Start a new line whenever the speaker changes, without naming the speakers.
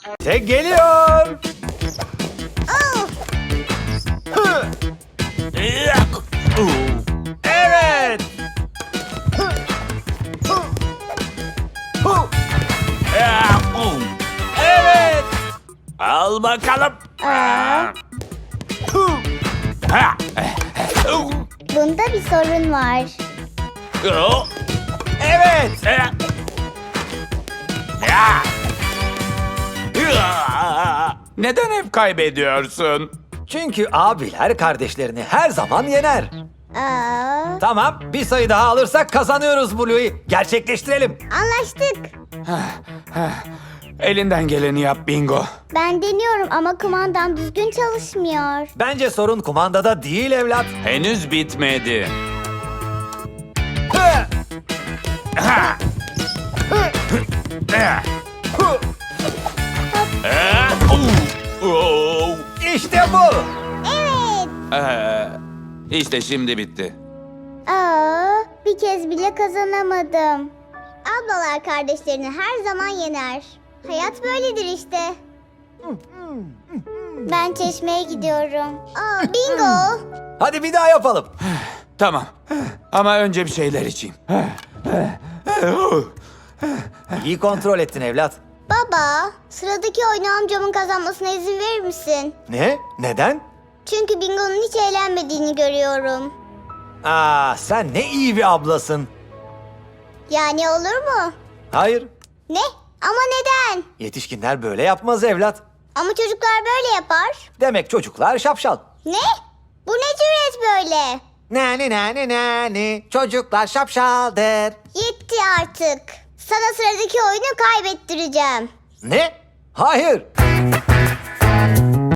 Tek geliyor.
Oh,
Evet. Evet.
Al bakalım.
bunda bir sorun var.
Evet.
Neden hep kaybediyorsun?
Çünkü abiler kardeşlerini her zaman yener.
Aa,
Tamam, bir sayı daha alırsak kazanıyoruz Blue'yu. Gerçekleştirelim.
anlaştık.
Elinden geleni yap Bingo.
Ben deniyorum ama kumandam düzgün çalışmıyor.
Bence sorun kumandada değil evlat.
Henüz bitmedi.
İşte bu.
Evet.
İşte şimdi bitti.
Aa, bir kez bile kazanamadım. Ablalar kardeşlerini her zaman yener. Hayat böyledir işte. Ben çeşmeye gidiyorum. Aa, bingo.
Hadi bir daha yapalım.
Tamam. Ama önce bir şeyler içeyim.
İyi kontrol ettin evlat.
Baba, sıradaki oyunu amcamın kazanmasına izin verir misin?
Ne? Neden?
Çünkü bingonun hiç eğlenmediğini görüyorum.
Sen ne iyi bir ablasın.
Yani olur mu?
Hayır,
Ne? Ama neden?
yetişkinler böyle yapmaz evlat.
Ama çocuklar böyle yapar.
Demek çocuklar şapşal.
Ne? Bu ne cüret böyle?
Nani, çocuklar şapşaldır.
Yetti artık. Sana sıradaki oyunu kaybettireceğim.
Ne? Hayır.